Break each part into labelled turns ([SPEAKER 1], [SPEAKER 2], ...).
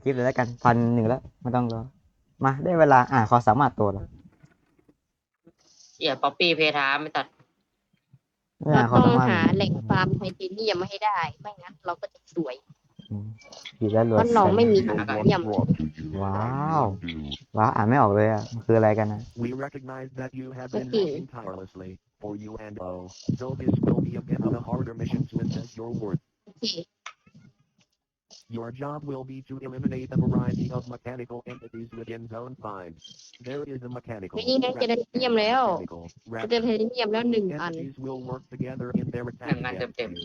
[SPEAKER 1] คลิปเลยแล้วกัน1,100แล้วไม่ต้องรอมาได้เวลาขอสามารถตัวแล้ว
[SPEAKER 2] ป๊อปปี้เพทามไม่ตัด
[SPEAKER 3] เราต้อง
[SPEAKER 1] ขอสามารถ
[SPEAKER 3] หาแหล่งฟาร์มไทเทเนียมมาให้ได้ไม่งั้นเราก็จะสวย
[SPEAKER 1] ผิดแล้วร
[SPEAKER 3] เพ
[SPEAKER 1] วย
[SPEAKER 3] ราะเราไม่มีไท
[SPEAKER 1] ว้
[SPEAKER 3] เทเนียม
[SPEAKER 1] าวว้าวอ่านไม่ออกเลยอ่ะมันคืออะไรกันนะ
[SPEAKER 4] We recognize that you have been
[SPEAKER 3] Okay.
[SPEAKER 4] working tirelessly for you and O, so this will be a bit of a harder mission to assess your worth.
[SPEAKER 3] โอเค
[SPEAKER 4] Your job will be to eliminate a variety of mechanical entities within Zone 5. There is a mechanical,
[SPEAKER 3] นี่ไงเจอไทเทเนียมแล้ว
[SPEAKER 4] mechanical,
[SPEAKER 3] เจอไทเทเนียมแล้ว1 อัน
[SPEAKER 4] entities will work together in their attack
[SPEAKER 2] Hang on,
[SPEAKER 4] against
[SPEAKER 2] Tim.
[SPEAKER 4] you.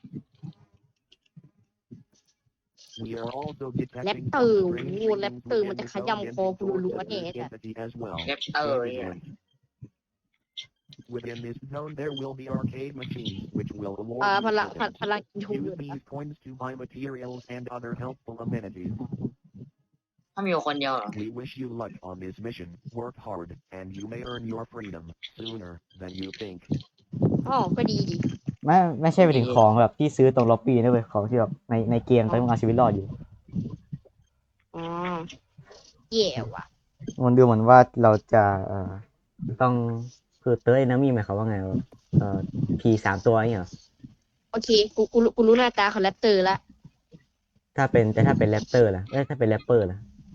[SPEAKER 4] We are also
[SPEAKER 3] แรป
[SPEAKER 4] detecting
[SPEAKER 3] เตอร์
[SPEAKER 4] some
[SPEAKER 3] โอ้
[SPEAKER 4] strange
[SPEAKER 3] โหแรป
[SPEAKER 4] readings
[SPEAKER 3] เตอร์
[SPEAKER 4] within
[SPEAKER 3] มันจะ
[SPEAKER 4] the
[SPEAKER 3] ข
[SPEAKER 4] zone
[SPEAKER 3] ยำคอ
[SPEAKER 4] ending
[SPEAKER 3] กู
[SPEAKER 4] towards
[SPEAKER 3] รัว
[SPEAKER 4] the
[SPEAKER 3] ๆแน่
[SPEAKER 4] third
[SPEAKER 3] จ้ะ
[SPEAKER 4] entity as well.
[SPEAKER 2] แรปเตอร์
[SPEAKER 4] Stay vigilant. Within this zone, there will be arcade machines, which will award
[SPEAKER 3] พ
[SPEAKER 4] you
[SPEAKER 3] ลัง
[SPEAKER 4] tokens.
[SPEAKER 3] พลังยู
[SPEAKER 4] Use these coins to buy materials and other helpful amenities.
[SPEAKER 2] ถ้ามีคนเดียวเหรอ
[SPEAKER 4] We wish you luck on this mission. Work hard, and you may earn your freedom sooner than you think.
[SPEAKER 3] อ๋อก็ดีดี
[SPEAKER 1] ไม่ใช่ไปถึงของแบบที่ซื้อตรงล็อบบี้นะเว้ยของที่แบบในเกมต้องเอาชีวิตรอดอยู่
[SPEAKER 3] อ๋อแย่ว่ะ
[SPEAKER 1] มันดูเหมือนว่าเราจะต้องคือเตอร์เอนมี่หมายความว่าไงวะผี3 ตัวนี่เหรอ
[SPEAKER 3] โอเคกูรู้หน้าตาของแรปเตอร์ละ
[SPEAKER 1] ถ้าเป็นแรปเตอร์ล่ะถ้าเป็นแรปเปอร์ล่ะ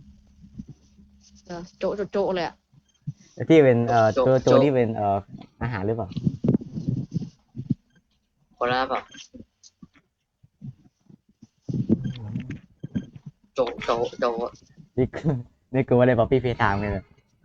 [SPEAKER 3] โจะโจะเลยอะ
[SPEAKER 1] ที่เป็นตัว
[SPEAKER 2] โจ๊ก
[SPEAKER 1] ที่เป็นอาหารหรือเปล่า
[SPEAKER 2] คนละเปล่าโจ
[SPEAKER 1] นี่คือนี่คือว่าได้ป๊อปปี้เพย์ไทม์เลย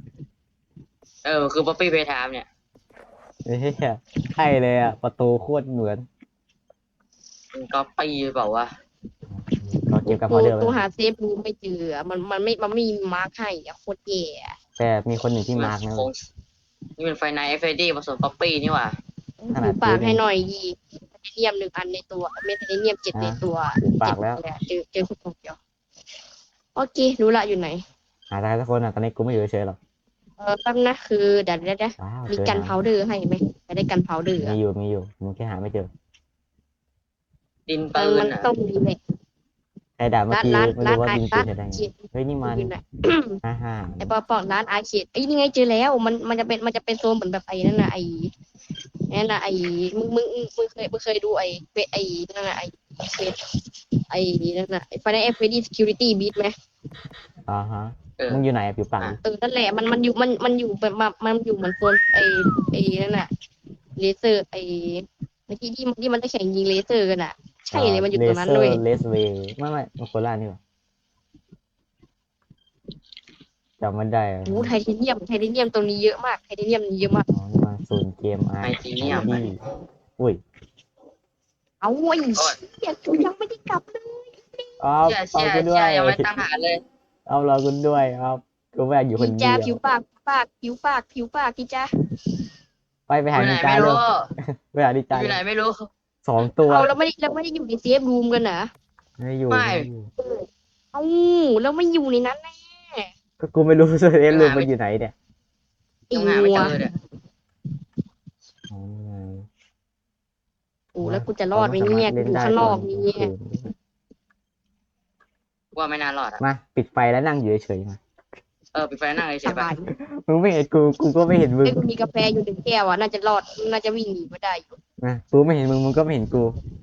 [SPEAKER 2] คือป๊อปปี้เพทามเนี่ย
[SPEAKER 1] เฮ้ยใช่เลยอ่ะประตูโคตรเหมือน
[SPEAKER 2] มันก็ปีเปล่าวะ
[SPEAKER 1] เราเก็บกับพอเดิม
[SPEAKER 3] กูหาเซฟรูมไม่เจออะมันไม่มีมาร์คให้อะโคตรแย่อะ
[SPEAKER 1] แต่มีคนหนึ่งที่มาร์กนะ
[SPEAKER 2] นี่เป็นไฟไนท์เอฟเอดีผสมป๊อปปี้นี่หว่า
[SPEAKER 1] ขนาด
[SPEAKER 3] หูปากให้หน่อยดีไทเทเนียม1 อันในตัวเมทไทเทเนียม7 ในตัว
[SPEAKER 1] หูปากแล้ว
[SPEAKER 3] เจอคนเดียวโอเครู้ละอยู่ไหน
[SPEAKER 1] หาได้สักคนอ่ะตอนนี้กูไม่อยู่เฉยๆหรอก
[SPEAKER 3] แป๊บนะคือเดี๋ยว
[SPEAKER 1] ว้าว
[SPEAKER 3] มี
[SPEAKER 1] เจอ
[SPEAKER 3] กัน
[SPEAKER 1] นะ
[SPEAKER 3] พาวเดอร์ให้ไหมจะได้กันพาวเดอร์
[SPEAKER 1] มีอยู่มึงแค่หาไม่เจอ
[SPEAKER 2] ดินปืน
[SPEAKER 3] มัน
[SPEAKER 2] อ่ะ
[SPEAKER 3] ต้องมีเลย
[SPEAKER 1] ใครด่าเมื่อกี้
[SPEAKER 3] ร้าน
[SPEAKER 1] ไม่รู้ว่า
[SPEAKER 3] ร้าน
[SPEAKER 1] ยิงปืนใช้ได้ไง
[SPEAKER 3] เขียน
[SPEAKER 1] เฮ้ยนี่มัน
[SPEAKER 3] อยู่ไหน
[SPEAKER 1] ฮ่า
[SPEAKER 3] ไอ้ปอร้านอาร์เคดไอ้ยนี่ไงเจอแล้วมันจะเป็นโซนเหมือนแบบไอ้นั่นน่ะไอ้นั่นน่ะไอ้มึงเคยดูไอ้ไอ้นั่นน่ะไอ้เฟซไอ้นั่นน่ะไอ้ Final Fantasy Security Beat ไหม
[SPEAKER 1] ฮะ
[SPEAKER 2] เออ
[SPEAKER 1] มึงอยู่ไหนอะผิวปาก
[SPEAKER 3] นั่นแหละมันอยู่แบบมันอยู่เหมือนโซนไอ้นั่นน่ะเลเซอร์ไอ้ที่มันจะแข่งยิงเลเซอร์กันอ่ะใช่เลยมันอยู่ตรงนั้นเลย
[SPEAKER 1] เลสเวย์ไม่มันโคราชนี่หว่าจำไม่ได้อะ
[SPEAKER 3] โอ้ไทเทเนียมตรงนี้เยอะมากไทเทเนียมเยอะมาก
[SPEAKER 1] อ๋อนี่มันศูนย์เกม
[SPEAKER 2] ไทเทเนียม
[SPEAKER 1] อุ้ย
[SPEAKER 3] เอาไอ้เหี้ยกูยังไม่ได้กลับเลย
[SPEAKER 1] เอาเอา
[SPEAKER 2] เชี่ย
[SPEAKER 1] กูด้วย
[SPEAKER 2] ยังไม่ตั้งหาเลย
[SPEAKER 1] เอาเรากูด้วยครับกูไม่อยากอยู่คน
[SPEAKER 3] พี่
[SPEAKER 1] เดี
[SPEAKER 3] จ้า
[SPEAKER 1] ยว
[SPEAKER 3] ผิวปากพี่จ้า
[SPEAKER 1] ไปหา
[SPEAKER 2] อยู่ไหน
[SPEAKER 1] นินจา
[SPEAKER 2] ไม่
[SPEAKER 1] เร็
[SPEAKER 2] รู้
[SPEAKER 1] วไปหานินจา
[SPEAKER 2] อยู่ไหนไม่รู้
[SPEAKER 1] 2 ตัว
[SPEAKER 3] เอาเราไม่ได้อยู่ในเซฟรูมกันนะ
[SPEAKER 1] ไม่อยู่
[SPEAKER 2] ไม่
[SPEAKER 3] เอาแล้วไม่อยู่ในนั้นแน่
[SPEAKER 1] ก็กูไม่รู้เซฟรูมมันอยู่ไหนเนี่ย
[SPEAKER 2] ยังหาไม่เจอเนี่ย
[SPEAKER 1] อ๋อ
[SPEAKER 3] โอ้แล้วกูจะรอดไหมเนี่ยกูอยู่ข้างนอกนี่
[SPEAKER 2] ว่าไม่น่ารอดอ่ะ
[SPEAKER 1] มาปิดไฟแล้วนั่งอยู่เฉยๆมา
[SPEAKER 2] ปิดไฟนั่งเฉ
[SPEAKER 3] ส
[SPEAKER 2] ยๆไป
[SPEAKER 3] บาย
[SPEAKER 1] มึงไม่เห็นกูก็ไม่เห็นมึง
[SPEAKER 3] ไอ้กูมีกาแฟอยู่1 แก้วอ่ะน่าจะรอดน่าจะวิ่งหนีมาได้อยู่
[SPEAKER 1] นะกูไม่เห็นมึงก็ไม่เห็นกู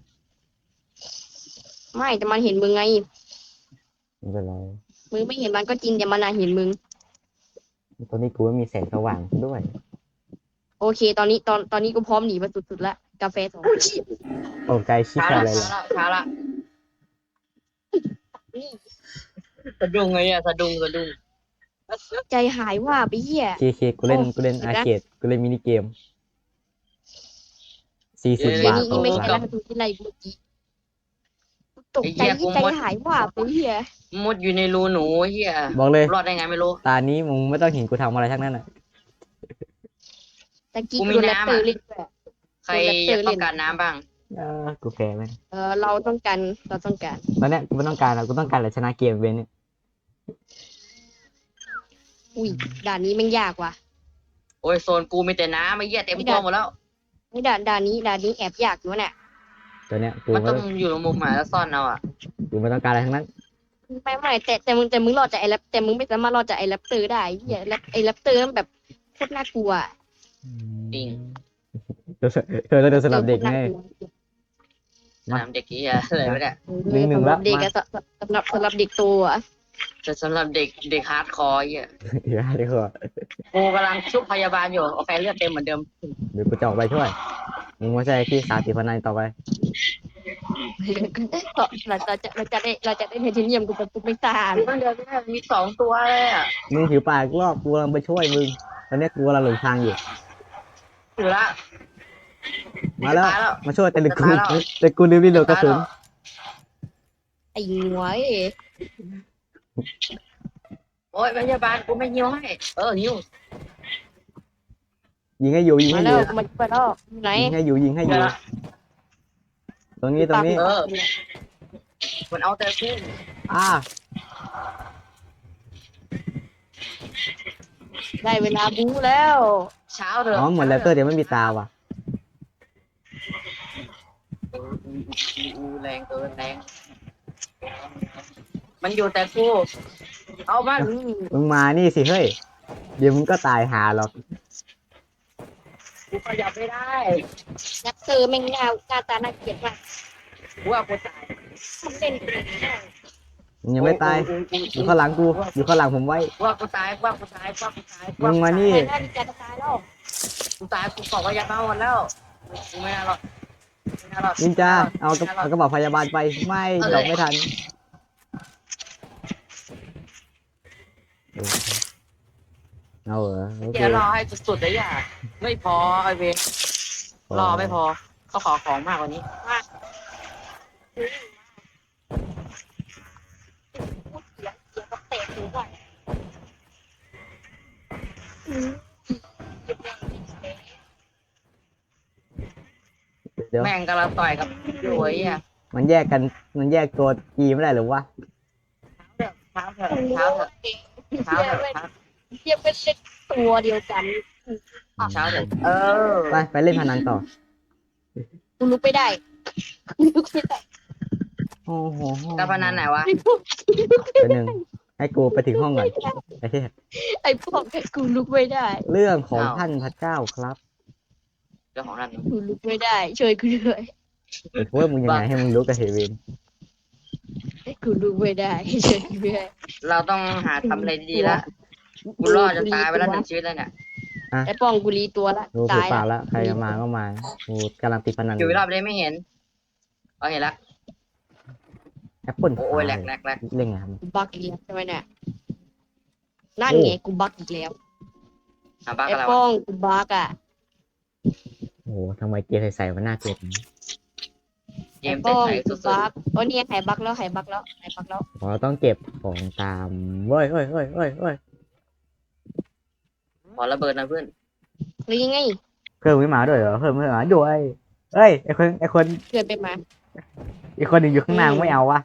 [SPEAKER 3] ไม่แต่มันเห็นมึงไง
[SPEAKER 1] ไม่เป็นไร
[SPEAKER 3] มึงไม่เห็นมันก็จริงแต่มันน่ะเห็นมึง
[SPEAKER 1] ตอนนี้กูไม่มีแสงสว่างด้วย
[SPEAKER 3] โอเค ตอนนี้กูพร้อมหนีมาสุดๆละกาแฟ2
[SPEAKER 1] ตกใจชิบ
[SPEAKER 2] ช้า
[SPEAKER 1] หาย
[SPEAKER 2] ละ
[SPEAKER 1] เลย
[SPEAKER 2] ช้าละสะดุ้งไงเนี่ยสะดุ้ง
[SPEAKER 3] ใจหายว่าไปเหี้ย
[SPEAKER 1] เคกูเล่นอาร์เคดกูเล่นมินิเกม40 บาท
[SPEAKER 3] นี่
[SPEAKER 1] ต่อ
[SPEAKER 3] ไม่
[SPEAKER 1] ค
[SPEAKER 3] ใช่
[SPEAKER 1] รั้
[SPEAKER 3] รั
[SPEAKER 1] ง
[SPEAKER 3] ฐทูตที่ไรเมื่อกี้ตกใจที่ใจหายว่าไปเหี้ย
[SPEAKER 2] มุดอยู่ในรูหนูเฮีย
[SPEAKER 1] บอกเลย
[SPEAKER 2] รอดได้ไงไม่รู้
[SPEAKER 1] ตานี้มึงไม่ต้องเห็นกูทำอะไรทั้งนั้นอ่ะ
[SPEAKER 3] ตะกี้
[SPEAKER 2] กู
[SPEAKER 3] กู
[SPEAKER 2] มี
[SPEAKER 3] โดนแรป
[SPEAKER 2] น้ำ
[SPEAKER 3] เตอ
[SPEAKER 2] อะ
[SPEAKER 3] ร์เล่นด้วย
[SPEAKER 2] ใครอยากต้องการน้ำบ้าง
[SPEAKER 1] กูแพ้ไหม
[SPEAKER 3] เราต้องการ
[SPEAKER 1] ตอนเนี้ยกูไม่ต้องการแล้วกูต้องการอะไรชนะเกมเว้นเนี่ย
[SPEAKER 3] อุ้ยด่านนี้แม่งยากว่ะ
[SPEAKER 2] โอ้ยโซนกูมีแต่น้ำไอ้เหี้ยเต็มตัวหมดแล้ว
[SPEAKER 3] ไม่ด่านนี้แอบยากอยู่เนี่ย
[SPEAKER 1] ตัวเนี้ยกู
[SPEAKER 2] มัน
[SPEAKER 1] ไม่
[SPEAKER 2] ต้อ
[SPEAKER 1] ต้อง
[SPEAKER 2] งอยู่ในมุมหมาแล้วซ่อนเอาอ่ะ
[SPEAKER 1] กูไม่ต้องการอะไรทั้งนั้น
[SPEAKER 3] ไม่แต่มึงรอดจากไอ้แรปแต่มึงไม่สามารถรอดจากไอ้แรปเตอร์ได้เหี้ยไอ้แรปเตอร์นั่นแบบโคตรน่ากลัวอะ
[SPEAKER 2] จริง
[SPEAKER 1] เธอต้องเดินสลับเด็กไง
[SPEAKER 2] สนามเด็กเฮียอะไรไม่ได้
[SPEAKER 1] หนึ่ง
[SPEAKER 3] สำห
[SPEAKER 1] แล้
[SPEAKER 3] รั
[SPEAKER 1] ว
[SPEAKER 3] บเด็ก
[SPEAKER 1] มา
[SPEAKER 3] อะสำหรับเด็กโตอะ
[SPEAKER 2] แต่สำหรับเด็กฮาร์ดคอร์เฮีย
[SPEAKER 1] เดี๋ยวเดี๋ยวก่อน
[SPEAKER 2] กูกำลังชุบพยาบาลอยู่โอเคเลือดเต็มเหมือนเดิม
[SPEAKER 1] เดี๋ยวกูจะออกไปช่วยมึงไม่ใช่พี่สาติพนันต่อไป
[SPEAKER 3] เราจะได้ไทเทเนียมกูเป็นปุ๊บไม่ตาย
[SPEAKER 2] มันเดินไม่ได้มี2 ตัวเลยอ่ะ
[SPEAKER 1] มึงผิวปากรอบกูกำลังไปช่วยมึงตอนนี้กูกำลังหลงทางอยู่
[SPEAKER 2] ถือละ
[SPEAKER 1] มาแล้ว
[SPEAKER 2] ตายแล้ว
[SPEAKER 1] มาช่วยแต่กู
[SPEAKER 2] จะตายแล้ว
[SPEAKER 1] แต่กูลืมรีโหลดกระสุน
[SPEAKER 3] ไอ้หวย
[SPEAKER 2] โอ้ยพยาบาลกูไม่ยิวให้หิว
[SPEAKER 1] ยิงให้อยู่ยิง
[SPEAKER 3] มา
[SPEAKER 1] ให้อ
[SPEAKER 3] แล้ว
[SPEAKER 1] ยู่
[SPEAKER 3] มันไปแล้วไหน
[SPEAKER 1] ยิงให้อยู่ยิงให้อยู่ ตรงนี้ตรงนี้
[SPEAKER 2] มันเอาแต่กู
[SPEAKER 1] อ่า
[SPEAKER 3] ได้เวลาบู๊แล้ว
[SPEAKER 2] เช้าเถอะ
[SPEAKER 1] อ๋อเหมือนแรปเตอร์เดี๋ยวไม่มีตาว่ะ
[SPEAKER 2] แรงเกินแรงมันอยู่แต่กูเอามัน
[SPEAKER 1] มึงมานี่สิเฮ้ยเดี๋ยวมึงก็ตายหาหรอก
[SPEAKER 2] กูขยับไม่ได้
[SPEAKER 3] นักเตอร์แม่งหน้าตาน่าเกลียดมาก
[SPEAKER 2] กูว่ากูตาย
[SPEAKER 3] มันเล่นเก่งมาก
[SPEAKER 1] มึงยังไม่ตายอยู่ข้างหลังกูอยู่ข้างหลังผมไว้
[SPEAKER 2] ว่ากูตายว่ากูตายว่ากูตาย
[SPEAKER 1] มึงมานี่
[SPEAKER 3] ไม่น่าดีใจจะตายแล้ว
[SPEAKER 2] กูตายกูบอกว่าอยากมาหมดแล้วกูไม่น่ารอดไม่น่ารอด
[SPEAKER 1] นินจาเอากระเป๋าพยาบาลไปไม่ดอกไม่ทันเอาเหรอโอเค
[SPEAKER 2] เดี๋ยวรอให้สุดๆเลยอย่าไม่พอไอเวนรอไม่พอเขาขอของมากกว่านี้
[SPEAKER 3] เสียกับเตะหูก่อน
[SPEAKER 1] เดี๋ยว
[SPEAKER 2] แม่งกำลังต่อยกับอยู่ไอ้เหี้ย
[SPEAKER 1] มันแยกกันมันแยกตัวกีไม่ได้หรือวะ
[SPEAKER 2] เท้าเถอะเท้าเถอะเท้าเถอะเท้า
[SPEAKER 3] เทียบเป็นเล็กตัวเดียวกัน
[SPEAKER 2] เท้าเถอะ
[SPEAKER 1] ไปเล่นพนันต่อ
[SPEAKER 3] กูลุกไม่ได้กูลุกไม่ได้
[SPEAKER 1] โอ้โห
[SPEAKER 2] การพนันไหนวะ
[SPEAKER 1] เป็นหนึ่งให้กูไปถึงห้องก่อนไอ้เหี้ย
[SPEAKER 3] ไอ้พวกกูลุกไม่ได้
[SPEAKER 1] เรื่องของท่านพระเจ้าครับ
[SPEAKER 2] เรื่องของนั่น
[SPEAKER 3] กูลุกไม่ได้ช่วยกูด้วย
[SPEAKER 1] ไอ้พวกมึงยังไงให้มึงรู้กับเฮเวน
[SPEAKER 3] กูลุกไม่ได้ช่วยกูด้วย
[SPEAKER 2] เราต้องหาทำอะไรดีๆละกูรอดจะตายไปแล้ว1 ชีวิตแล้วเนี่ย
[SPEAKER 3] ไอ้ป้องกูรีตัวละ
[SPEAKER 1] รู้ผิว
[SPEAKER 3] ตาย
[SPEAKER 1] ปาก
[SPEAKER 3] ละ
[SPEAKER 1] แล้วใครจะมาก็มากูกำลังติดพนัน
[SPEAKER 2] อยู่รอบเลยไม่เห็นเห็นละ
[SPEAKER 1] แอปเปิล
[SPEAKER 2] โอ้ยแหลก
[SPEAKER 1] เล่นไงครับ
[SPEAKER 3] กูบักอีกแล้วใช่ไหมเนี่ยนั่นไงกูบักอีกแล้ว
[SPEAKER 2] หาบ้า
[SPEAKER 3] ไอ้
[SPEAKER 2] กันแล้ว
[SPEAKER 3] ป้องกูบักอ่ะ
[SPEAKER 1] โอ้โหทำไมเกมใส่ๆมันน่าเกลียดอย่างนี้
[SPEAKER 2] เก
[SPEAKER 3] ไอ้
[SPEAKER 2] ม
[SPEAKER 3] ป้อง
[SPEAKER 2] ใส่
[SPEAKER 3] กู
[SPEAKER 2] สุด
[SPEAKER 3] บักโอ้เนี่ยหายบักแล้วหายบักแล้วหายบักแล้ว
[SPEAKER 1] อ๋อต้องเก็บของตามเว้ยเฮ้ยเฮ้ยเฮ้ยเฮ้ย
[SPEAKER 2] ๆขอระเบิดนะเพื่อน
[SPEAKER 3] หรือยังไง
[SPEAKER 1] เพิ่มไม่มาด้วยเหรอเพิ่มไม่มาด้วยเอ้ยไอคน
[SPEAKER 3] เกิดไปมา
[SPEAKER 1] อีกคนหนึ่งอยู่ข้างหน้าไม่เอาวะ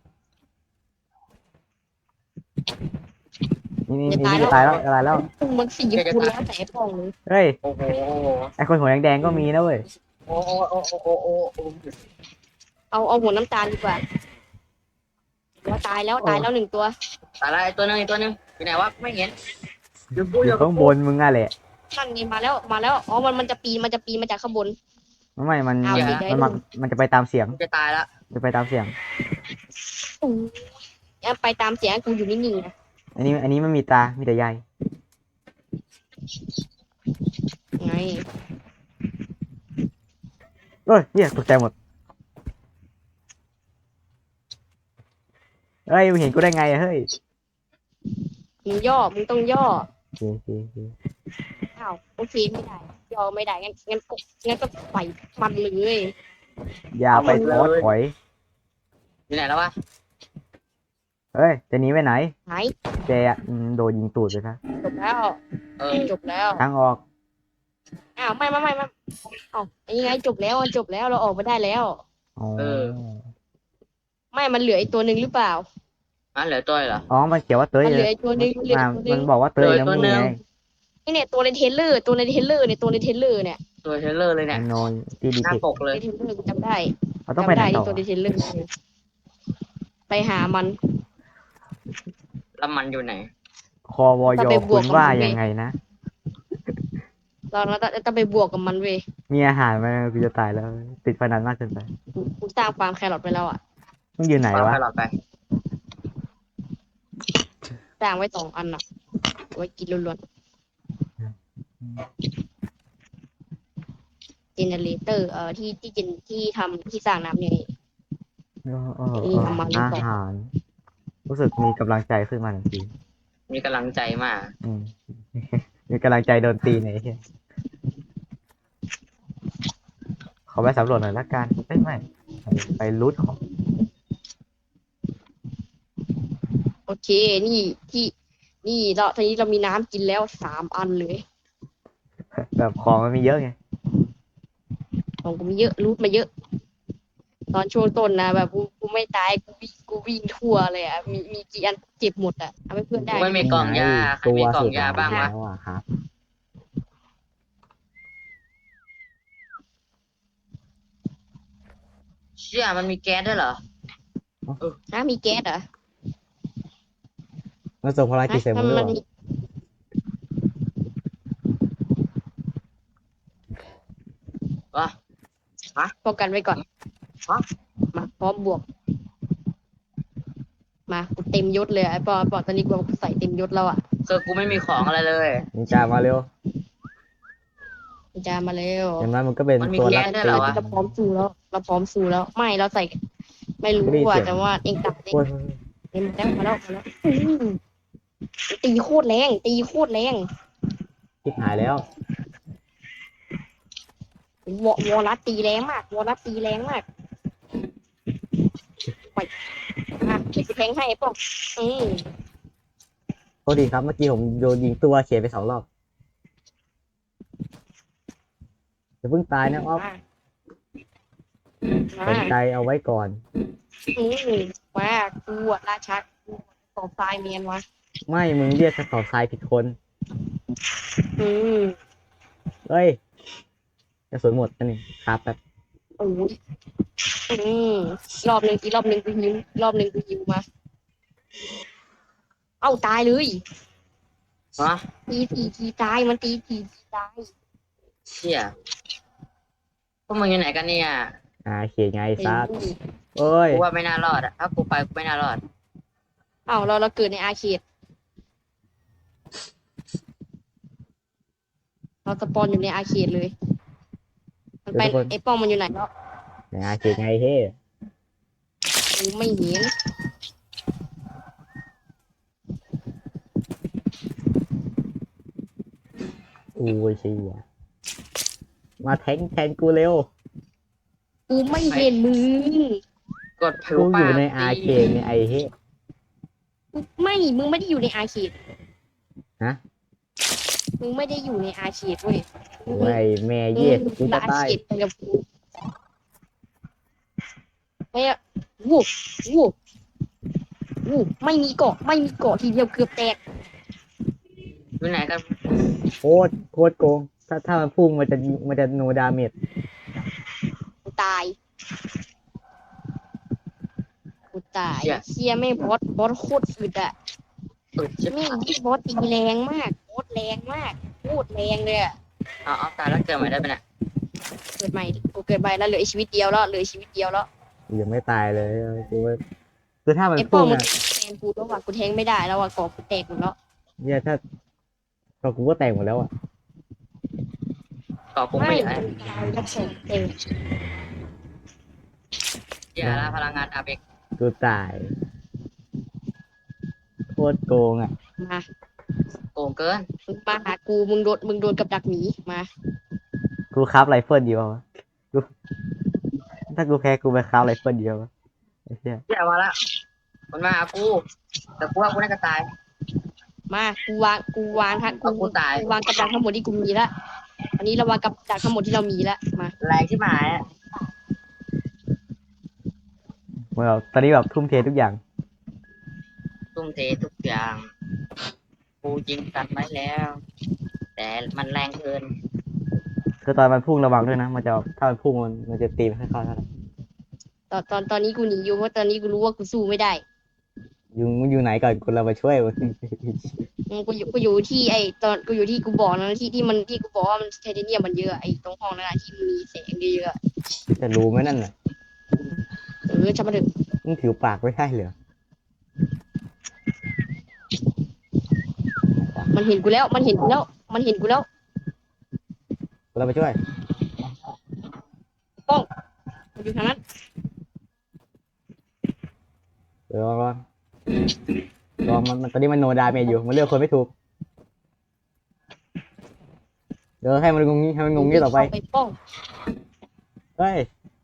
[SPEAKER 1] นี่ตายแล้วตายแล้ว
[SPEAKER 3] มันสีกูแล้วแต่ไอ้ป้องเลย
[SPEAKER 1] เฮ้ย
[SPEAKER 2] โอ้โห
[SPEAKER 1] ไอคนหัวแดงๆก็มีนะเว้ย
[SPEAKER 2] โอ้โอ้โอ้โอ้โอ้โอ้
[SPEAKER 3] เอาหัวน้ำตาลดีกว่าว่าตายแล้วหนึ่งตัว
[SPEAKER 2] ตายละตัวนึงอยู่ไหนวะไม่เห็นอยู่กู
[SPEAKER 1] อ
[SPEAKER 2] อยู่
[SPEAKER 1] ยู่ข้างบนมึงอะแหละ
[SPEAKER 3] นั่นไงมาแล้วอ๋อมันจะปีนมาจากข้างบน
[SPEAKER 1] ไม่มัน
[SPEAKER 3] เอาดิได้
[SPEAKER 1] มันจะไปตามเสียง
[SPEAKER 2] จะตายละ
[SPEAKER 1] จะไปตามเสียง
[SPEAKER 3] ไปตามเสียงกูอยู่นิ่งๆนะ
[SPEAKER 1] อันนี้ไม่มีตา มีแต่ใย
[SPEAKER 3] ไง
[SPEAKER 1] เอ้ยเหี้ยตกใจหมดเฮ้ยมึงเห็นกูได้ไงอะเฮ้ย
[SPEAKER 3] มึงต้องย่อ
[SPEAKER 1] โอเค
[SPEAKER 3] อ้าวโอเคไม่ได้ย่อไม่ได้งั้นก็ไปมันเลย
[SPEAKER 1] อย่าไปท้อถอย
[SPEAKER 2] อยู่ไหนแล้ววะ
[SPEAKER 1] เฮ้ยจะหนีไปไหน
[SPEAKER 3] หาย
[SPEAKER 1] แกอะโดนยิงตูดไปซะ
[SPEAKER 3] จบแล้ว จบแล้ว
[SPEAKER 1] ทางออก
[SPEAKER 3] อ้าวไม่อ้าวยังไงจบแล้วเราออกมาได้แล้ว
[SPEAKER 1] อ๋อ
[SPEAKER 3] ไม่มันเหลืออีกตัวหนึ่งหรือเปล่า
[SPEAKER 2] เหลือตัวเหรอ
[SPEAKER 1] อ๋อมันเขียนว่าเต้ย
[SPEAKER 3] มันเหลื
[SPEAKER 1] เล
[SPEAKER 3] อย อีกตัวหนึ่งเหลือ
[SPEAKER 1] มา
[SPEAKER 3] อีกตัวห
[SPEAKER 1] มั
[SPEAKER 3] นึ่
[SPEAKER 1] น
[SPEAKER 3] ง
[SPEAKER 1] บอกว่าเต้ย
[SPEAKER 2] เลย
[SPEAKER 1] นะ
[SPEAKER 2] ตั
[SPEAKER 1] มึ
[SPEAKER 2] ว
[SPEAKER 1] ง
[SPEAKER 2] หนึ่ง
[SPEAKER 1] ไง
[SPEAKER 3] นี่เนี่ยตัวในเทรลเลอร์เนี่ยตัวในเทรลเลอร์เนี่ย
[SPEAKER 2] ตัวเทเลอร์เลยเนี่ย
[SPEAKER 1] นอนที่ดี
[SPEAKER 2] หน้า
[SPEAKER 1] พิก
[SPEAKER 2] ปกเลย
[SPEAKER 3] ในเทรลเลอร์กูจำได้
[SPEAKER 1] เราต้องไปไหนต่อ
[SPEAKER 3] ตัวในเทรลเลอร์ไปหามัน
[SPEAKER 2] แล้วมันอยู่ไหน
[SPEAKER 1] คอวอยคุณว่ายังไงนะ
[SPEAKER 3] เราต้องไปบวกกับมันเว้ย
[SPEAKER 1] มีอาหารไหมกูจะตายแล้ว ติดพนันมากเกินไป
[SPEAKER 3] กูสร้างฟาร์มแครอทไปแล้วอ่ะ
[SPEAKER 1] ต้องอยู่ไหน
[SPEAKER 2] วาง
[SPEAKER 1] วะ
[SPEAKER 2] ไปหลอดไป
[SPEAKER 3] สร้างไว้2 อันอ่ะไว้กินล้วนๆเจเนเรเตอร์ที่ทำที่สร้างน้ำเนี่ย
[SPEAKER 1] อาหาร รู้สึกมีกำลังใจขึ้นมาทันที
[SPEAKER 2] มีกำลังใจมาก
[SPEAKER 1] อืม มีกำลังใจโดนตีไหนเฮียขอไปสำรวจหน่อยละกันไม่ไปรูทของ
[SPEAKER 3] โอเค นี่เราทีนี้เรามีน้ำกินแล้ว3 อันเลย
[SPEAKER 1] แบบของมันมีเยอะไง
[SPEAKER 3] ของกูมีเยอะรูทมาเยอะ ตอนช่วงต้นนะแบบกูไม่ตายกูวิ่งทั่วเลยอ่ะมีกี่อันเจ็บหมดอ่ะเอาไปเพื่อนได้
[SPEAKER 2] ไม่มีกล่องยาใครมีกล่องยาบ้างวะ
[SPEAKER 1] แล้วอะครับ
[SPEAKER 2] เชี่ยมันมีแก๊สด้วยเหรอ
[SPEAKER 3] นะมีแก๊สเหรอ
[SPEAKER 1] มันส่งพลังกิจเสร็จหมดด้วยเหรอ
[SPEAKER 2] วะ
[SPEAKER 3] ป้องกันไว้ก่อน
[SPEAKER 2] ฮะ
[SPEAKER 3] มาพร้อมบวก มากูเต็มยศเลยไอ้ปอตอนนี้กูใส่เต็มยศแล้วอ่ะ
[SPEAKER 2] คือกูไม่มีของอะไรเลย
[SPEAKER 1] นินจามาเร็ว
[SPEAKER 3] จะมาเร็ว
[SPEAKER 1] อย่างนั้นมันก็เป็น
[SPEAKER 2] มันมี
[SPEAKER 1] ตัว
[SPEAKER 2] แก๊
[SPEAKER 1] รับ
[SPEAKER 2] สด้วย
[SPEAKER 1] ตี
[SPEAKER 2] เหรอวะ
[SPEAKER 3] เราพร้อมสู้แล้วเราพร้อมสู้แล้วไม่เราใส่ ไม่รู้
[SPEAKER 1] ไม่ได้
[SPEAKER 3] ว่า
[SPEAKER 1] เสียง
[SPEAKER 3] แต่ว่าเองตัดเอง
[SPEAKER 1] โอ้ย
[SPEAKER 3] เต็มแล้วมาแล้วตีโคตรแรงตีโคตรแรง
[SPEAKER 1] คิดหายแล้ว
[SPEAKER 3] วอลัสตีแรงมากวอลัสตีแรงมากไปเขียนแทงให้ป้อง
[SPEAKER 1] โทษดีครับ เมื่อกี้ผมโดนยิงตัวเขียนไป2 รอบอย่าเพิ่งตายนะอ๊อฟสนใจเอาไว้ก่อน
[SPEAKER 3] ว่ากูอะราชากูตอบทรายเมียนวะ
[SPEAKER 1] ไม่มึงเรียกกระสอบทรายผิดคน
[SPEAKER 3] อืม
[SPEAKER 1] เฮ้ยกระสุนหมดนั่นนี่ครับแบบ
[SPEAKER 3] โอ้ยรอบหนึ่งกูยิงรอบหนึ่งกูยิงมา เอ้าตายเลย
[SPEAKER 2] ฮะ
[SPEAKER 3] ทีตายมันตีตาย
[SPEAKER 2] เชี่ยพวกมึงอยู่ไหนกันเนี่ย
[SPEAKER 1] เขียนไงซัดเอ้ย
[SPEAKER 2] กูว่าไม่น่ารอดอะถ้ากูไปกูไม่น่ารอด
[SPEAKER 3] เอ้าเราเกิดในอาเขตเราสปอนอยู่ในอาเขตเลย มันไปไอ้ป้องมันอยู่ไหนแล้ว
[SPEAKER 1] เขียนไงเฮ้
[SPEAKER 3] กูไม่เห็น
[SPEAKER 1] อู้ยเชี่ยมาแทงกูเร็ว
[SPEAKER 3] กูไม่เห็นมึง
[SPEAKER 2] กดผิว
[SPEAKER 1] กูอ
[SPEAKER 2] ปา
[SPEAKER 1] ยู่
[SPEAKER 2] ก
[SPEAKER 1] ในอาเขตในไอเฮ้
[SPEAKER 3] มึงไม่ได้อยู่ในอาเขต
[SPEAKER 1] ฮะ
[SPEAKER 3] มึงไม่ได้อยู่ในอาเขตเว้ย
[SPEAKER 1] โอ้ยแม่เย็ดกูจะ
[SPEAKER 3] อา
[SPEAKER 1] ตาย
[SPEAKER 3] เขตไปกับกูไม่อะวูบไม่มีเกาะทีเดียวเกือบแตก
[SPEAKER 2] อยู่ไหนกัน
[SPEAKER 1] โคตรโกง ถ้ามันพุ่งมันจะโนดาเมจ
[SPEAKER 3] กูตายเชียไม่บอสโคตรอึดอะ
[SPEAKER 2] ชิบ
[SPEAKER 3] นี่ที่บอสตีแรงมากบอสแรงมากโคตรแรงเลยอะ
[SPEAKER 2] เอาตายแล้วเกิดใหม่ได้ไหมเนี่ย
[SPEAKER 3] เกิดใหม่กูเกิดใหม่แล้วเหลืออีกชีวิตเดียวแล้ว
[SPEAKER 1] ยังไม่ตายเลยกูว่าคือถ้ามัน
[SPEAKER 3] ไอ้ป้อ
[SPEAKER 1] พุ่
[SPEAKER 3] ง
[SPEAKER 1] ง
[SPEAKER 3] มัน
[SPEAKER 1] อ่ะ
[SPEAKER 3] แทงกูแล้วว่ะกูแทงไม่ได้แล้วว่ะเกาะกูแตกหมดแล้ว
[SPEAKER 1] เนี่ยถ้าก็กูก็แตกหมดแล้วอ่ะ
[SPEAKER 2] ต่อกูไม่อยากให้
[SPEAKER 3] ตายแล้วส่งเต็ม
[SPEAKER 2] อย่าละพลังงานอาเบก
[SPEAKER 1] กูตายโคตรโกงอ่ะ
[SPEAKER 3] มา
[SPEAKER 2] โกงเกิน
[SPEAKER 3] มึงมาหากูมึงโดนกับดักหมีมา
[SPEAKER 1] กูคราฟไรเฟิลเดียวอะกูถ้ากูแพ้กูไปคราฟไรเฟิลเดียวอะไอ้เหี้ย
[SPEAKER 2] อย่ามาละมันมาหากู แต่กูว่ากูน่าจะตาย
[SPEAKER 3] มากูวางทั้ง
[SPEAKER 2] เอากูตาย
[SPEAKER 3] วางกับดักทั้งหมดที่กูมีละอันนี้เราวางกับดักทั้งหมดที่เรามีละมา
[SPEAKER 2] แรงที่หมายอะ
[SPEAKER 1] ตอนนี้แบบทุ่มเททุกอย่าง
[SPEAKER 2] ทุ่มเททุกอย่าง กูยิงกันไว้แล้ว แต่มันแรงเกิน
[SPEAKER 1] คือตอนมันพุ่งระวังด้วยนะ มันจะถ้ามันพุ่งมันจะตีไม่ค่อยเข้าเท่าไหร่
[SPEAKER 3] ตอนนี้กูหนีอยู่เพราะตอนนี้กูรู้ว่ากูสู้ไม่ได้
[SPEAKER 1] อยู่ไหนก่อนคนเรามาช่วยมึง
[SPEAKER 3] กูอยู่ที่ไอ้ตอนกูอยู่ที่กูบอกนะที่กูบอกว่ามันไทเทเนียมมันเยอะไอ้ตรงห้องนั้นอะที่มันมีแสงเยอะๆอะ
[SPEAKER 1] จะรู้ไหมนั่นน่ะ
[SPEAKER 3] ช่างมันเถอะ
[SPEAKER 1] มึงผิวปากไม่ได้เหรอ
[SPEAKER 3] มันเห็นกูแล้วมันเห็นกูแล้วมันเห็นกูแล้ว
[SPEAKER 1] คนเรามาช่วย
[SPEAKER 3] มันอยู่ทางนั้น
[SPEAKER 1] เดี๋ยวลองมันตอนนี้มันโนดาเมจอยู่มันเลือกคนไม่ถูกเดี๋ยวให้มันงงงี้ต่อไป
[SPEAKER 3] ไปป้อง
[SPEAKER 1] เฮ้ย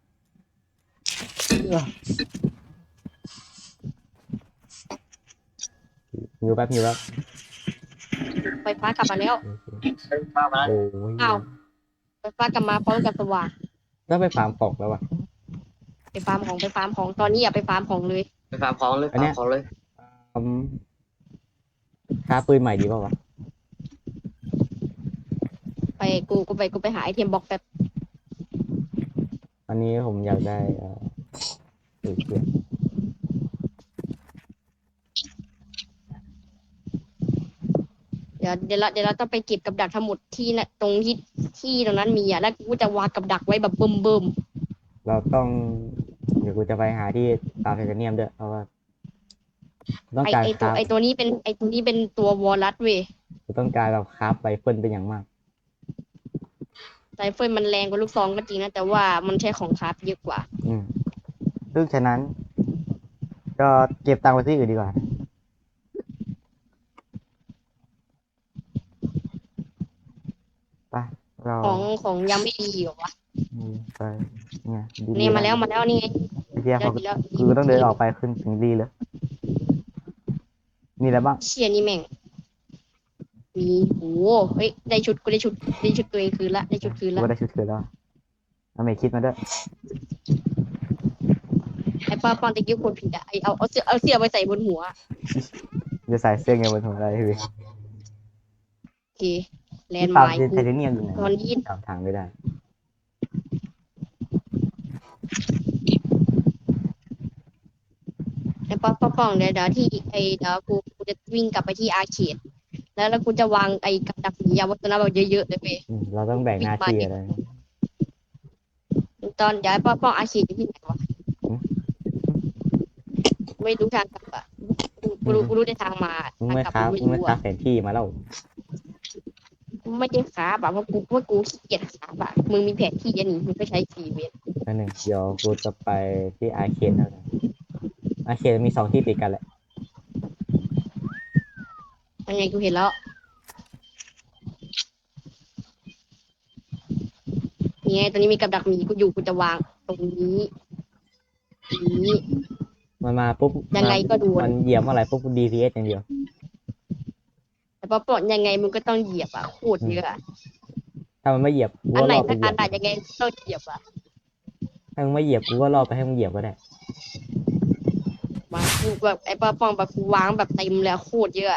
[SPEAKER 1] หิวแป๊บ
[SPEAKER 3] ไฟฟ้ากลับมาแล้ว
[SPEAKER 2] เข้ามา
[SPEAKER 1] โอ้ย
[SPEAKER 3] อ้าว ไฟฟ้ากลับมาพร้อมกับสว่าง
[SPEAKER 1] แล้วไปฟาร์มของแล้ววะ
[SPEAKER 3] ไปฟาร์มของตอนนี้อย่าไปฟาร์มของเลย
[SPEAKER 2] ไปฟาร์มของเลย
[SPEAKER 1] อันเนี้
[SPEAKER 2] ฟาย ร์มของเลย
[SPEAKER 1] อืมค้าปืนใหม่ดีเปล่าวะ
[SPEAKER 3] กูไปหาไอเทมบล็อกแป๊บ
[SPEAKER 1] อันนี้ผมอยากได้ปืนเพื่อน
[SPEAKER 3] เดี๋ยวเราต้องไปเก็บกับดักทั้งหมดที่น่ะตรงที่ตรงนั้นมีอ่ะแล้วกูจะวางกับดักไว้แบบเบิ่ม
[SPEAKER 1] เราต้องเดี๋ยวกูจะไปหาที่ตามไทเทเนียมด้วยเพราะว่าต้องการ
[SPEAKER 3] ไอ
[SPEAKER 1] คราฟ
[SPEAKER 3] ตัวนี้เป็นตัววอลลัสเว้ย
[SPEAKER 1] กูต้องการแบบคราฟไรเฟิลเป็นอย่างมาก
[SPEAKER 3] ไรเฟิลมันแรงกว่าลูกซองก็จริงนะแต่ว่ามันใช้ของคราฟเยอะกว่า
[SPEAKER 1] ซึ่งฉะนั้น ก็เก็บตังค์ไว้ที่อื่นดีกว่าไปเรา
[SPEAKER 3] ของยังไม่ดีอยู่วะ
[SPEAKER 1] ไปเนี่ยดี
[SPEAKER 3] นี่มาแล้วนี่ไง
[SPEAKER 1] ไอ้เหี้ย
[SPEAKER 3] แล้วดีแล้ว
[SPEAKER 1] คือต้องเดินออกไปขึ้นถึงดีเลยมีอะไรบ้าง
[SPEAKER 3] เชียนี่แม่งมีโอ้เฮ้ยได้ชุดตัวเองคืนละได้ชุดคืน
[SPEAKER 1] กู
[SPEAKER 3] ละ
[SPEAKER 1] ก็ได้ชุดคืนแล้วเอาเมคิดมาด้วย
[SPEAKER 3] ไอ้ป้าปอนตะกี้คนผิดอะไอเอาเสื้อไปใส่บนหัว
[SPEAKER 1] จะใส่เสื้อไงบนหัวอะไรพี่
[SPEAKER 3] โอเคแลนด์
[SPEAKER 1] ตาม
[SPEAKER 3] ไมล์
[SPEAKER 1] ไทเทเนียมอยู่ไหน
[SPEAKER 3] ตอนนี้
[SPEAKER 1] ตามทางไม่ได้
[SPEAKER 3] ไอ้ป้องเดี๋ยวที่เดี๋ยวกูจะวิ่งกลับไปที่อาร์เคดแล้วกูจะวางไอ้กับดักหมียาวตัวนั้นแบบเยอะๆเลยเว้ย
[SPEAKER 1] เราต้องแบ่งหน้าที่อะไร
[SPEAKER 3] ตอนเดี๋ยวไอ้ป้องอาร์เคดอยู่ที่ไหนวะ
[SPEAKER 1] อืม
[SPEAKER 3] ไม่รู้ทางกลับอะกูรู้ได้ทางมา
[SPEAKER 1] มึง
[SPEAKER 3] ทาง
[SPEAKER 1] ไม่
[SPEAKER 3] กลับ
[SPEAKER 1] ค้า
[SPEAKER 3] กู
[SPEAKER 1] มึงไม่
[SPEAKER 3] รู้
[SPEAKER 1] ค้า
[SPEAKER 3] อะ
[SPEAKER 1] แผนที่มาแล้ว
[SPEAKER 3] ไม่ได้ขาแบบว่ากูขี้เกียจขาแบบมึงมีแผนที่อันนี้มึงก็ใช้ชีวิต
[SPEAKER 1] นั่นหนึ่งเดี๋ยวกูจะไปที่อาร์เคนแล้วกันอาร์เคนมี2 ที่ติดกันแหละ
[SPEAKER 3] ยังไงกูเห็นแล้วนี่ไงตอนนี้มีกับดักหมีกูจะวางตรงนี้นี้
[SPEAKER 1] มันมาปุ๊บ
[SPEAKER 3] ยังไงก็โดน
[SPEAKER 1] มันเหยียบเมื่อไหร่ปุ๊บ DPS อย่างเดียว
[SPEAKER 3] แต่พอปลดยังไงมึงก็ต้องเหยียบอ่ะโคตรเยอะอะ
[SPEAKER 1] ถ้ามันไม่เหยียบกู
[SPEAKER 3] อัน
[SPEAKER 1] ก็
[SPEAKER 3] ไหน
[SPEAKER 1] รอไป
[SPEAKER 3] สัก
[SPEAKER 1] เหยี
[SPEAKER 3] อั
[SPEAKER 1] ย
[SPEAKER 3] น
[SPEAKER 1] บ
[SPEAKER 3] แต่ยังไงต้องเหยียบอ่ะ
[SPEAKER 1] ถ้ามึงไม่เหยียบกูก็รอไปให้มึงเหยียบก็ได้
[SPEAKER 3] มากูแบบไอ้ป้าปองแบบกูวางแบบเต็มเลยอะโคตรเยอะอะ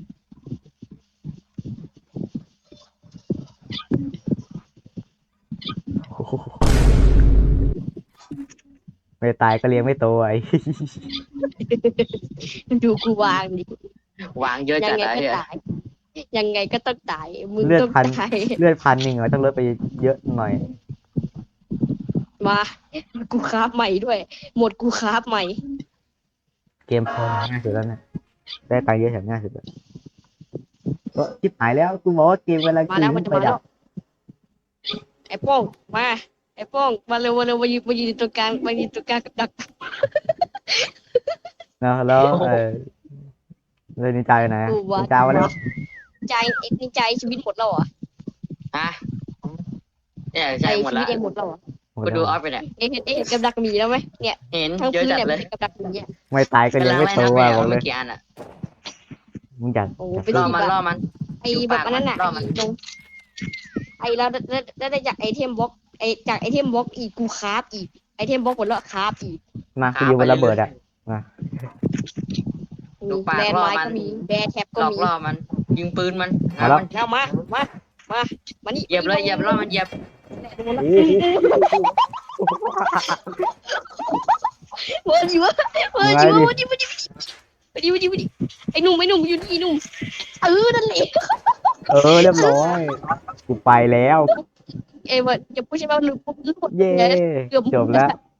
[SPEAKER 1] ไม่ตายก็เลี้ยงไม่โตไอ้
[SPEAKER 3] ดูกูวางดิ
[SPEAKER 2] วางเยอะ
[SPEAKER 3] ยั
[SPEAKER 2] จัด
[SPEAKER 3] ไง
[SPEAKER 2] เลย
[SPEAKER 3] ก็
[SPEAKER 2] อะ
[SPEAKER 3] ตายยังไงก็ต้องตายมึง
[SPEAKER 1] เลือด
[SPEAKER 3] ต้อง
[SPEAKER 1] พัน
[SPEAKER 3] ตาย
[SPEAKER 1] เลือด1,000เหรอต้องลดไปเยอะหน่อย
[SPEAKER 3] มากูคราฟใหม่ด้วย หมดกูคราฟใหม่
[SPEAKER 1] เกมพอง่ายสุดแล้วเนี่ยได้ตังค์เยอะแถมง่ายสุดเลยก็ชิบหายแล้วกูบอกว่าเกมเวลา
[SPEAKER 3] มาแล้วมันจะมาแล้ว
[SPEAKER 1] ดับ
[SPEAKER 3] ไอ้โป้งมาไอ้โป้งมาเร็วมายืนตรงกลางกับดัก
[SPEAKER 1] นะแล้วเลยนินจาอยู่ไหนอะ
[SPEAKER 3] กูว่า
[SPEAKER 1] นินจามาแล้ว
[SPEAKER 3] ใจเอ็กซ์ใจชีวิตหมดแล้วเหรอ
[SPEAKER 2] ฮะเนี่ย
[SPEAKER 3] ใจ
[SPEAKER 2] ใช่หมด
[SPEAKER 3] ชีวิ
[SPEAKER 2] ละ
[SPEAKER 3] ตเองหมดแล้วเหรอ
[SPEAKER 2] กูดูออฟไปเนี่ย
[SPEAKER 3] เห็นกับดักหมีแล้วไหมเนี่ย
[SPEAKER 2] เห็น
[SPEAKER 3] ทั้ง
[SPEAKER 2] เยอะ
[SPEAKER 3] พื้น
[SPEAKER 2] จัด
[SPEAKER 3] เนี่ย
[SPEAKER 2] เลย
[SPEAKER 3] เป็นกับดักหมีอ่ะ
[SPEAKER 1] ไม่ตายก็ยังไม่โต
[SPEAKER 2] กำลั
[SPEAKER 1] อ่ะ
[SPEAKER 2] ง
[SPEAKER 1] บอกเล
[SPEAKER 2] เมื่
[SPEAKER 1] ย
[SPEAKER 2] อกี้อันอะ
[SPEAKER 1] มึงจัด
[SPEAKER 3] โอ้
[SPEAKER 1] จัด
[SPEAKER 3] ไป
[SPEAKER 2] ล่
[SPEAKER 3] ดู
[SPEAKER 2] อมัน
[SPEAKER 3] แบบ
[SPEAKER 2] ล่อมัน
[SPEAKER 3] ไอ้แบบอันนั้นน่ะ
[SPEAKER 2] รอบมัน
[SPEAKER 3] ไอ้ตรงไอ้แล้วได้จากไอเทมบล็อกจากไอเทมบล็อกอีกกูคราฟอีกไอเทมบล็อกหมดแล้วคราฟอีก
[SPEAKER 1] มากูอยู่บนระเบิดอ่ะ
[SPEAKER 2] ลูกปาก
[SPEAKER 3] แบน
[SPEAKER 2] ล่อ
[SPEAKER 3] ไม้
[SPEAKER 2] มัน
[SPEAKER 3] ก็มีแบนแท็บก็
[SPEAKER 2] หลอก
[SPEAKER 3] มี
[SPEAKER 2] ล่อมัน ยิงปืนมัน
[SPEAKER 1] มาแล้ว
[SPEAKER 2] มัน
[SPEAKER 3] แล้วมานี่
[SPEAKER 2] เหยียบเลยเหยียบล่อมันเหยียบ
[SPEAKER 3] เวิร์ดอยู่เวิร์ดอยู่
[SPEAKER 1] มาดิ
[SPEAKER 3] เวิร์ดอยู่ไปดิไอ้หนุ่มอยู่นี่หนุ่มนั่นแหละ
[SPEAKER 1] เรียบร้อยกูไปแล้ว
[SPEAKER 3] ว่าอย่าพูดใช่ไหมหนุ่มปุ๊บ
[SPEAKER 1] เย้
[SPEAKER 3] เกือบ
[SPEAKER 1] จบแล้ว